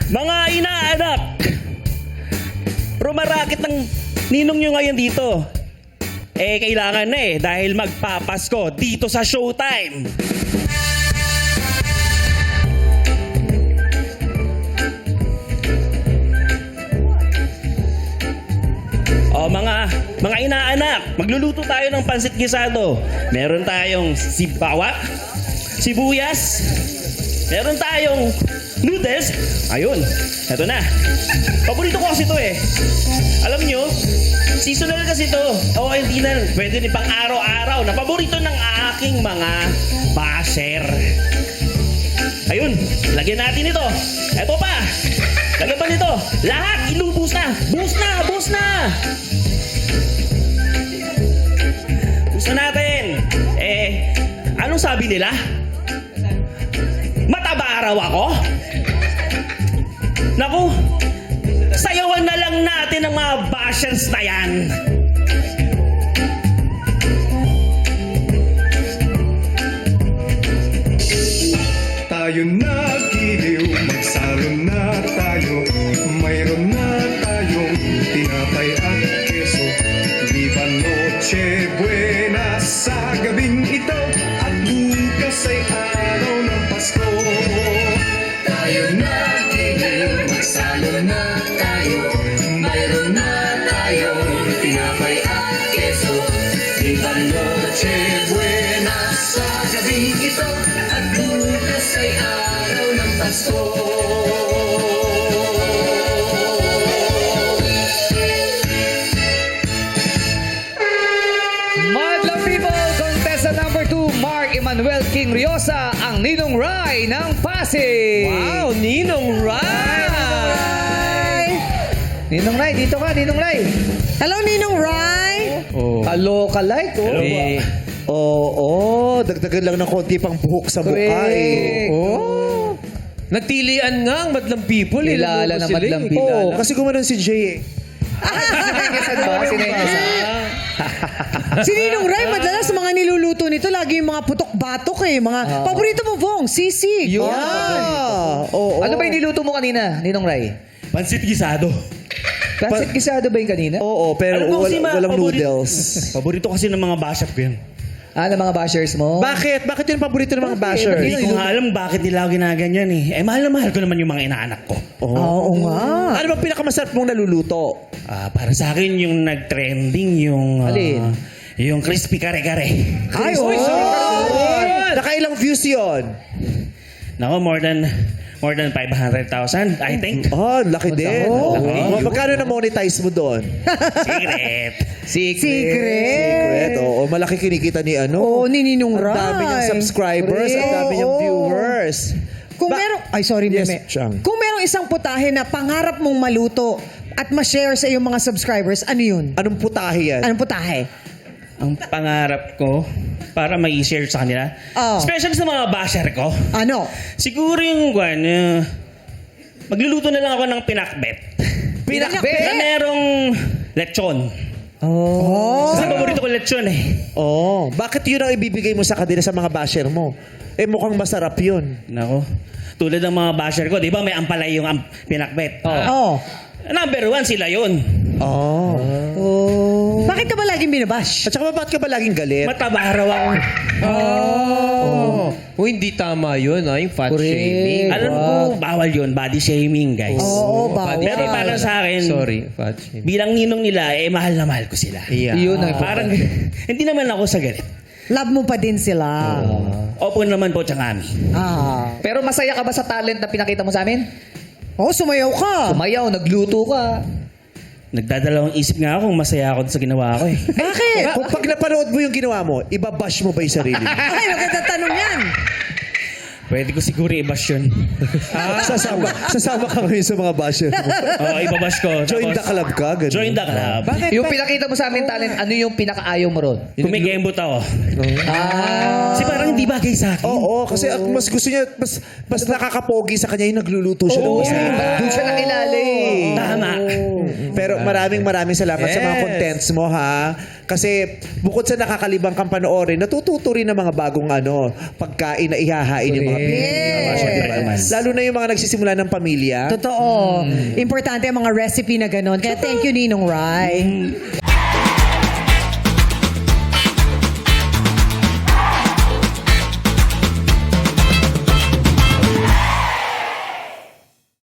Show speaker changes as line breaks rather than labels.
Mga inaanak, rumarakit ng ninong nyo ngayon dito. Eh, kailangan na dahil magpapasko dito sa Showtime. O mga inaanak, magluluto tayo ng pansit gisado. Meron tayong sibawak, sibuyas, meron tayong noodles. Ayun, eto na. Paborito ko kasi ito Alam nyo, seasonal kasi ito. O hindi na, pwede din pang araw-araw na paborito ng aking mga basher. Ayun, lagyan natin ito. Eto pa, lagyan pa nito. Lahat, ilubos na. Bus na, bus na. Bus na natin. Anong sabi nila? Mataba araw ako? Naku, sayawan na lang natin ang mga bashers na yan.
Tayo na giliw, magsalo na tayo. Mayroon na tayong tinapay at keso. Viva Noche Buena sa gabing ito. At bukas ay araw ng Pasko. Tayo na giliw, magsalo na tayo. Mayroon na tayong tinapay at keso. Viva Noche Buena sa gabing ito. At bukas ay araw ng Pasko.
Madlang people, contestant number 2, Mark Emmanuel King Riosa, ang Ninong Rai ng Pasig.
Wow, Ninong Rai!
Ninong Rai, dito ka, Ninong Rai.
Hello, Ninong Rai.
Kaloka-like,
Hello ba? Oo, dagdagan lang ng konti pang buhok sa mukha
Oh.
Nagtilian nga ang madlang people.
Kilala na madlang people.
Oo, kasi gumanon si Jay
Sinengesan ba? Sinengesan.
Si Ninong Rai, madalas sa mga niluluto nito, lagi yung mga putok-batok Mga paborito mo, Vong, sisig.
Yun.
Oo.
Ano ba yung niluto mo kanina, Ninong Rai?
Pansit gisado.
Pansit gisado ba yung kanina?
Oo, pero
Alam mo kasi,
walang
paborito-
noodles.
Paborito kasi ng mga basher ko yan.
Ng mga bashers mo?
Bakit? Bakit yun paborito ng mga basher?
Hindi ko nga alam bakit nila ako ginaganyan mahal na mahal ko naman yung mga inaanak ko.
Oo nga.
Ano bang pinakamasarap mong naluluto?
Para sa akin yung nag-trending yung...
Alin?
Yung crispy kare-kare.
Ay, oo.
Nakailang views yun?
Nako, more than 500,000, I think.
Laki din. Magkano na-monetize mo doon?
Secret.
Secret.
Oo, malaki kinikita ni
Oo, ni Ninong
Ang
Rai.
dami niyang subscribers, ang dami niyang
Oo.
viewers.
Kung merong... Ay, sorry,
Yes,
Meme.
Chang.
Kung merong isang putahe na pangarap mong maluto at ma-share sa iyong mga subscribers, ano yun?
Anong putahe yan?
Anong putahe?
Ang pangarap ko para may share sa kanila.
Oh.
Especially sa mga basher ko.
Ano?
Siguro yung magluluto na lang ako ng pinakbet.
Pinakbet?
Na merong lechon.
Oh.
Kasi paborito ko lechon
Oo. Bakit yun ang ibibigay mo sa kanila sa mga basher mo? Mukhang masarap yun.
Nako. Tulad ng mga basher ko, di ba may ampalay yung pinakbet?
Oh.
Number 1 sila yun.
Oh.
Bakit ka ba laging binabash?
At saka bakit ka ba laging galit?
Mataba raw ako.
Hindi tama yun, yung fat
Correct.
shaming.
Alam ko, bawal yun. Body shaming, guys.
Oo, bawal.
Pero para sa akin,
Sorry, fat shaming.
bilang ninong nila, mahal na mahal ko sila.
Yeah.
Yun ang
Parang, hindi naman ako sa galit.
Love mo pa din sila.
Opo naman po, Changami.
Pero masaya ka ba sa talent na pinakita mo sa amin?
Oh, sumayaw ka.
Kumayaw, nagluto ka.
Nagdadalawang isip nga ako kung masaya ako sa ginawa ko
Bakit?
Kung pag napanood mo yung ginawa mo, ibabash mo ba yung sarili mo?
Ay, maganda tanong yan.
Pwede ko siguro i-bash yun.
Sasama ka ngayon sa mga basher mo.
Oo, ibabash ko.
Join the
Tapos,
club ka, ganun.
Join the club.
Yung pinakita mo sa amin talent, ano yung pinakaayaw mo ron?
Kumikembot ako. Kasi parang hindi bagay sa akin.
Oo, kasi mas gusto niya, mas nakakapogi sa kanya yung nagluluto siya ng masarap.
Doon siya nakilala eh.
Tama.
Pero maraming salamat sa mga
Yes.
contents mo, ha? Kasi bukod sa nakakalibang kang panoorin, natututo rin ng mga bagong pagkain na ihahain yung mga
Yes.
diba? Lalo na yung mga nagsisimula ng pamilya.
Totoo. Importante ang mga recipe na ganon. Kaya thank you, Ninong Rai.